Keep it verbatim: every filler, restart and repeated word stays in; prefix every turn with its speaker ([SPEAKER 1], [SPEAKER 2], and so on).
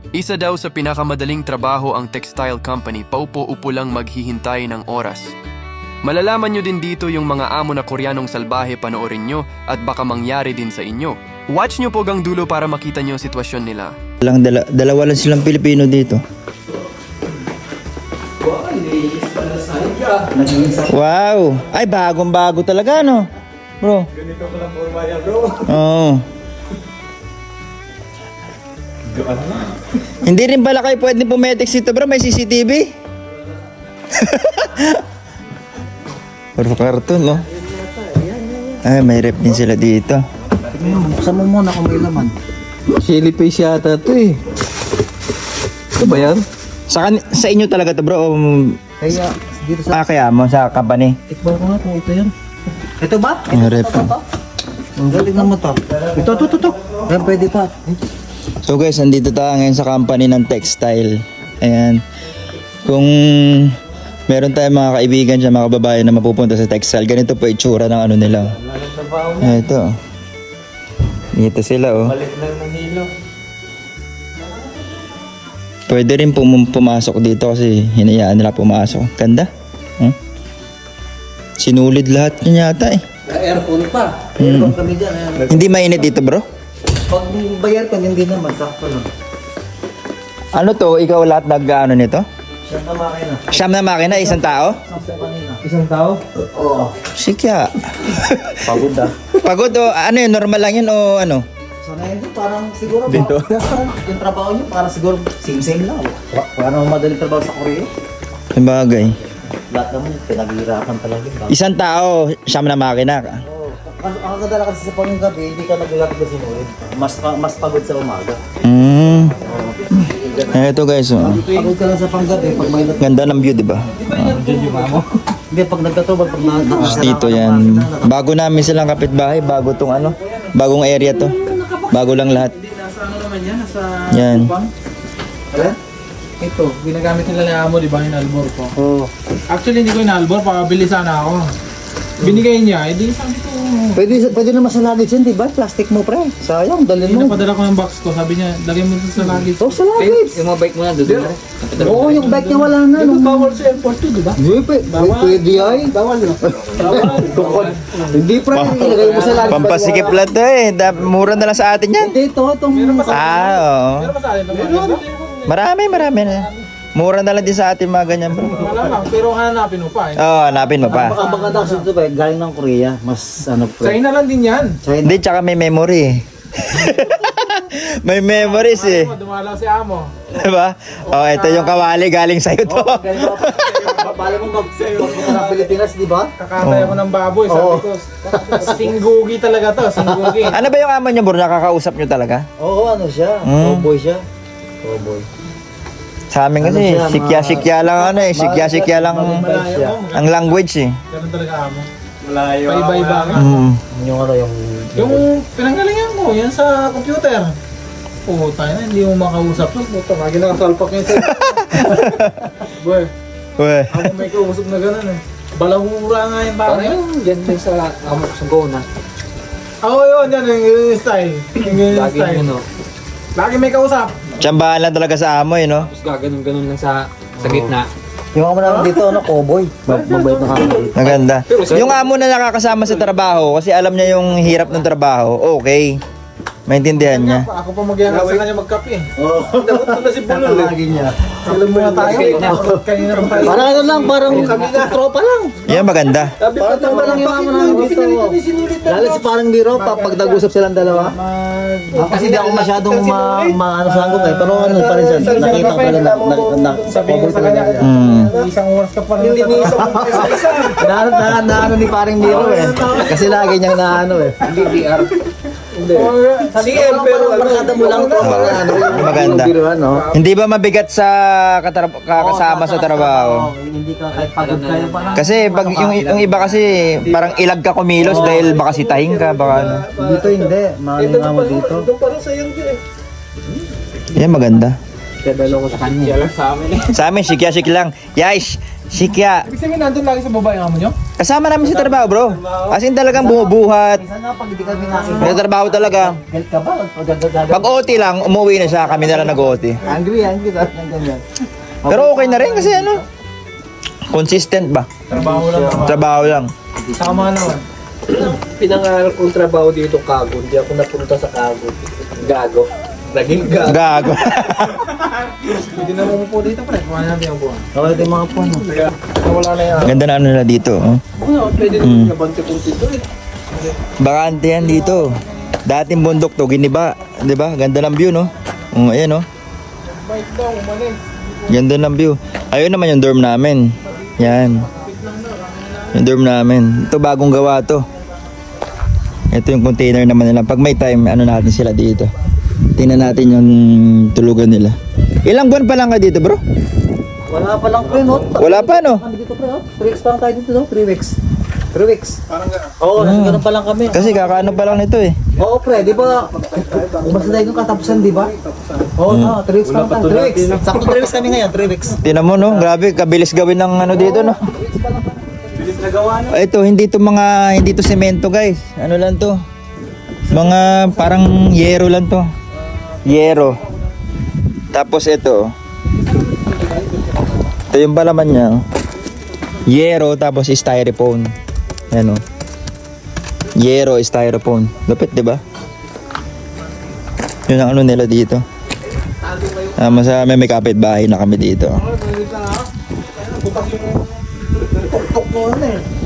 [SPEAKER 1] Isa daw sa pinakamadaling trabaho ang textile company, paupo-upo lang maghihintay ng oras. Malalaman nyo din dito yung mga amo na Koreanong salbahe, panoorin nyo at baka mangyari din sa inyo. Watch nyo po hanggang dulo para makita nyo ang sitwasyon nila.
[SPEAKER 2] Lang dala, dalawa lang silang Pilipino dito. Wow! Ay, bagong bago talaga, no? Bro.
[SPEAKER 3] Ganito ko lang forma niya, bro.
[SPEAKER 2] Oo. Hindi rin pala kayo pwede pumetex dito, bro. May C C T V. Puro karton, no? Ay, may rep din sila dito.
[SPEAKER 4] Buksan mo muna kung may laman.
[SPEAKER 3] Chili paste yata ito eh. Ito ba yan?
[SPEAKER 2] Sa, kan- sa inyo talaga to, bro? Um,
[SPEAKER 4] Kaya, dito sa...
[SPEAKER 2] ah, kaya mo sa company?
[SPEAKER 4] Tikman ko nga kung ito yan. Ito ba?
[SPEAKER 2] Ang rep.
[SPEAKER 4] Ang galing naman to. Ito, ito, ito, ito. Yan, pwede pa.
[SPEAKER 2] So guys, andito tayo ngayon sa company ng textile. Ayan. Kung meron tayong mga kaibigan siya, mga kababayan na mapupunta sa textile, ganito po itsura ng ano nila. Ito. Dito sila, oh.
[SPEAKER 3] Balik lang ng hilo.
[SPEAKER 2] Pwede rin pum- pumasok dito kasi hinayaan nila pumasok. Ganda. Hmm? Sinulid lahat niya yata eh.
[SPEAKER 4] Aircon pa. Aircon kami dyan. Aircon.
[SPEAKER 2] Hindi mainit dito, bro?
[SPEAKER 4] Pag bayar ko, hindi naman. Sakto lang.
[SPEAKER 2] Ano to? Ikaw lahat nag-ano nito?
[SPEAKER 4] Siya na makina.
[SPEAKER 2] Siyam na makina, isang tao?
[SPEAKER 4] Sampo kanina.
[SPEAKER 3] Isang tao?
[SPEAKER 4] Oo.
[SPEAKER 2] Sikya.
[SPEAKER 4] Pagod ah.
[SPEAKER 2] Pagod o ano yun? Normal lang yun o ano?
[SPEAKER 4] Sana yun, parang siguro
[SPEAKER 2] Dito?
[SPEAKER 4] Parang yung trabaho niyo, parang siguro same-same lang. Pa- Parang madaling trabaho sa Korea.
[SPEAKER 2] Sabagay.
[SPEAKER 4] Lahat naman pinaghihirapan talaga.
[SPEAKER 2] Isang tao, siyam na makina.
[SPEAKER 4] Oo. Ang ang kadala kasi sa panggabi, hindi ka naglalakad kasi sinulid. Mas pa- mas pagod sa umaga.
[SPEAKER 2] Mm. Eto guys, oh.
[SPEAKER 4] Pagod ka lang sa panggabi pag may nag-
[SPEAKER 2] Ganda ng view, di ba?
[SPEAKER 4] Hindi, pag nagkatubal, pag na... na-
[SPEAKER 2] Dito yan. Bago namin silang kapitbahay, bago tong ano, bagong area to. Bago lang lahat.
[SPEAKER 3] Nasa ano naman yan? Nasa...
[SPEAKER 2] Yan.
[SPEAKER 4] Alam?
[SPEAKER 3] Ito, ginagamit nila ni Amo, di ba? Inalbor ko.
[SPEAKER 4] Oo.
[SPEAKER 3] Actually, hindi ko inalbor. Pakabili sana ako. Binigay niya. Eh, di sabi ko...
[SPEAKER 4] Pwede, pwede naman sa luggage yan, di ba? Plastic mo, pre. Sayang, dalhin mo.
[SPEAKER 3] Pinapadala ko ng box ko. Sabi niya, lagay mo ito sa luggage.
[SPEAKER 4] Oh, sa luggage.
[SPEAKER 5] Yung mga bike mo na, doon na rin.
[SPEAKER 4] Oo, yung bike niya wala na.
[SPEAKER 3] Ito
[SPEAKER 4] Nung...
[SPEAKER 3] bawal sa airport to, di ba?
[SPEAKER 4] Hindi, pwede. Pwede ay. Bawal yun.
[SPEAKER 3] Bawal.
[SPEAKER 4] Hindi, pre. Ilagay mo sa luggage.
[SPEAKER 2] Pampasikip lang to eh. Da- Mura na lang sa atin yan.
[SPEAKER 4] Hindi, ito, itong...
[SPEAKER 2] Ah, oo.
[SPEAKER 3] Meron ba sa atin? Meron.
[SPEAKER 2] Marami, marami na. Mura na lang din sa atin mga ganyan, bro.
[SPEAKER 3] Malamang, pero hanapin mo pa eh.
[SPEAKER 2] Oo, oh, hanapin mo pa.
[SPEAKER 4] Baka baka daw ito, pre. Galing ng Korea. Mas, ano, pre.
[SPEAKER 3] China lang din yan.
[SPEAKER 4] China.
[SPEAKER 2] Hindi, tsaka may memory eh. May memories eh.
[SPEAKER 3] Dumalaw si Amo.
[SPEAKER 2] Diba? Oh, ito yung kawali galing sa'yo to.
[SPEAKER 4] Ganyan pa. Bala mo mag magpunta ng Pilipinas, di ba?
[SPEAKER 3] Kakatay ako ng baboy. Sabi
[SPEAKER 4] Oo.
[SPEAKER 3] ko, singgugi talaga to. Singgugi.
[SPEAKER 2] Ano ba yung amo niya, bro? Nakakausap niyo talaga?
[SPEAKER 4] Oo, ano siya?
[SPEAKER 2] Hmm.
[SPEAKER 4] Cowboy siya. Cowboy.
[SPEAKER 2] Sa amin
[SPEAKER 4] Ano
[SPEAKER 2] kasi,
[SPEAKER 4] siya,
[SPEAKER 2] sikya-sikya lang ano eh. Sikya-sikya lang
[SPEAKER 3] Malayo mo.
[SPEAKER 2] ang language eh.
[SPEAKER 3] Ganun talaga Amo.
[SPEAKER 5] Malayo.
[SPEAKER 3] Paiba-iba nga.
[SPEAKER 2] Mm.
[SPEAKER 4] Yung ano, yung...
[SPEAKER 3] Yung pinanggalingan mo, yan sa computer. Puta na, hindi mo makausap. Puta, lagi nakasalpak niya sa'yo. Boy,
[SPEAKER 2] Weh.
[SPEAKER 3] ako may kausap na gano'n eh. Balahura nga yung
[SPEAKER 5] Parang
[SPEAKER 3] bakit.
[SPEAKER 5] yung dyan din sa amok sa na.
[SPEAKER 3] Ako yun, yan yung yung style. Yung yung
[SPEAKER 5] Lagi
[SPEAKER 3] style.
[SPEAKER 5] yun, no?
[SPEAKER 3] Lagi may kausap.
[SPEAKER 2] Tsambahan lang talaga sa amo eh, no?
[SPEAKER 5] Tapos gaganon-ganon lang sa sa gitna.
[SPEAKER 4] Yung ako naman dito, ano, cowboy. Mab- Mabait na kami dito.
[SPEAKER 2] Maganda. Yung amo na nakakasama sa trabaho, kasi alam niya yung hirap ng trabaho, okay. Maintindihan niya.
[SPEAKER 3] Ako pa magyayang sa kanya magkape.
[SPEAKER 4] Oo.
[SPEAKER 3] Dapat na si Bulol eh.
[SPEAKER 4] Lagi niya.
[SPEAKER 3] Alam mo na tayo. Kanina pa tayo.
[SPEAKER 4] Parang ano lang, parang tropa lang.
[SPEAKER 2] Yan maganda.
[SPEAKER 4] Parang tropa lang yung amo namin dito. Lalo si parang biro, pa, pag nag-usap silang dalawa. Ah, kasi di ako masyadong ma, ma ano sa hanggang eh. Pero ano pa rin siya, nakita ko na, na, na, na,
[SPEAKER 3] Sabi ko sa kanya,
[SPEAKER 2] Mm.
[SPEAKER 3] isang oras ka pa rin. Hindi ni isang oras ka isa.
[SPEAKER 4] na, na, na, ano ni parang biro eh. Kasi lagi niyang na ano eh.
[SPEAKER 5] D D R.
[SPEAKER 3] C M pero
[SPEAKER 4] Barkada mo lang tropa na ano. yung
[SPEAKER 2] Maganda.
[SPEAKER 4] biro, ano.
[SPEAKER 2] Hindi ba mabigat sa katra- kakasama sa trabaho?
[SPEAKER 4] Oo, hindi ka kahit pagod kayo parang.
[SPEAKER 2] Kasi pag yung, yung iba kasi parang ilag ka kumilos dahil baka sitahin ka, baka ano.
[SPEAKER 4] Dito hindi, maano nga mo dito.
[SPEAKER 3] Doon pa rin sa yung eh.
[SPEAKER 2] Yan maganda.
[SPEAKER 5] Kadalo ko sa kanya. Yan lang sa amin eh.
[SPEAKER 2] Sa amin, sikya-sik lang. Guys, Si Kya.
[SPEAKER 3] Ibig sabihin, nandun lagi sa baba yung amo nyo?
[SPEAKER 2] Kasama namin sa trabaho, bro. As in talagang bumubuhat.
[SPEAKER 4] Minsan nga pag hindi kami nakita.
[SPEAKER 2] May trabaho talaga.
[SPEAKER 4] Galit ka ba? Pag
[SPEAKER 2] Pag O T lang, umuwi na siya. Kami na lang nag-O T.
[SPEAKER 4] Angry, angry ka ng ganyan.
[SPEAKER 2] Pero okay na rin kasi ano. Consistent ba?
[SPEAKER 3] Trabaho lang naman.
[SPEAKER 2] Trabaho lang.
[SPEAKER 3] Tama naman.
[SPEAKER 5] Pinangarap kong trabaho dito, Kago. Hindi ako napunta sa Kago. Gago. Naging gago.
[SPEAKER 2] Gago.
[SPEAKER 3] Hindi na mumupo dito, pre. Kumain natin ang buwan.
[SPEAKER 4] Kawala tayong mga puno.
[SPEAKER 3] Wala na yan.
[SPEAKER 2] Ganda na ano nila dito. Oh.
[SPEAKER 3] Ano, pwede
[SPEAKER 2] Mm.
[SPEAKER 3] na nabante kong dito eh.
[SPEAKER 2] Bakante yan dito. Dating bundok to, giniba. Di ba? Ganda ng view, no? Oh, ayan, no?
[SPEAKER 3] Bike daw, umalis.
[SPEAKER 2] Ganda ng view. Ayun naman yung dorm namin. Yan. Yung dorm namin. Ito bagong gawa to. Ito yung container naman nila. Pag may time, ano natin sila dito. Tingnan natin yung tulugan nila. Ilang buwan pa lang ka dito, bro?
[SPEAKER 4] Wala pa lang pre, no?
[SPEAKER 2] Wala pa, no?
[SPEAKER 4] Kami dito pre, no? three weeks pa lang tayo dito, no? three weeks. three weeks.
[SPEAKER 3] Parang gano'n.
[SPEAKER 4] Oo, nasa ganun pa lang kami.
[SPEAKER 2] Kasi kakaano pa lang nito eh.
[SPEAKER 4] Oo pre, di ba? Umasa tayo nung katapusan, di ba? Oo, no, three weeks pa lang tayo. three weeks. Sakto three weeks kami ngayon, three weeks.
[SPEAKER 2] Tingnan mo, no? Grabe, kabilis gawin ng ano dito, no? Ito, hindi to mga, hindi to semento, guys. Ano lang to? Mga parang yero lang to. Yero. Tapos ito. Ito yung balaman niya. oh. Yero tapos styrofoam. Yan oh. Yero, styrofoam. Lupit, di ba? Yun ang ano nila dito. Ah, sa may may kapitbahay na kami dito.
[SPEAKER 3] Bukas yung tuktok mo na eh.